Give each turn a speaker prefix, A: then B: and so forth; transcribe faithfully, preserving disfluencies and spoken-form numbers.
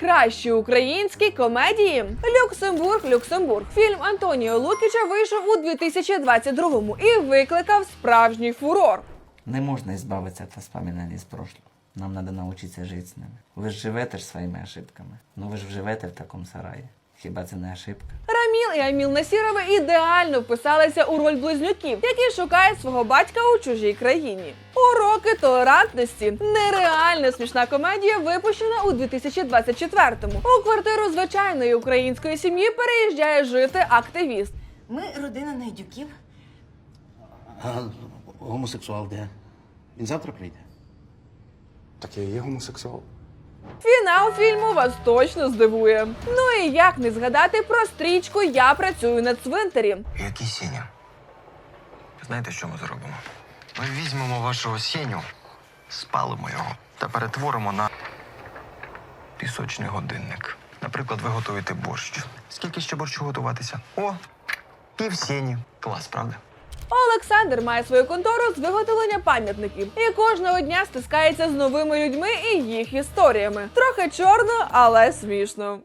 A: найкращі українські комедії. Люксембург, Люксембург. Фільм Антоніо Лукіча вийшов у дві тисячі двадцять другому і викликав справжній фурор.
B: Не можна избавиться от воспоминаний из прошлого. Нам надо научиться жити з ними. Ви ж живете ж своїми ошибками. Ну ви ж живете в такому сараї. Хіба це не ошибка?
A: Раміл і Аміл Насірови ідеально вписалися у роль близнюків, які шукають свого батька у чужій країні. Уроки толерантності. Нереально смішна комедія, випущена у дві тисячі двадцять четвертому. У квартиру звичайної української сім'ї переїжджає жити активіст.
C: Ми родина Найдюків.
D: А гомосексуал де? Він завтра прийде?
E: Так я і є гомосексуал.
A: Фінал фільму вас точно здивує. Ну і як не згадати про стрічку «Я працюю на цвинтарі».
F: Який Сеня? Знаєте, що ми зробимо? Ми візьмемо вашого Сеню, спалимо його та перетворимо на пісочний годинник. Наприклад, ви готуєте борщ. Скільки ще борщу готуватися? О, пів Сені. Клас, правда?
A: Олександр має свою контору з виготовлення пам'ятників і кожного дня стискається з новими людьми і їх історіями. Трохи чорно, але смішно.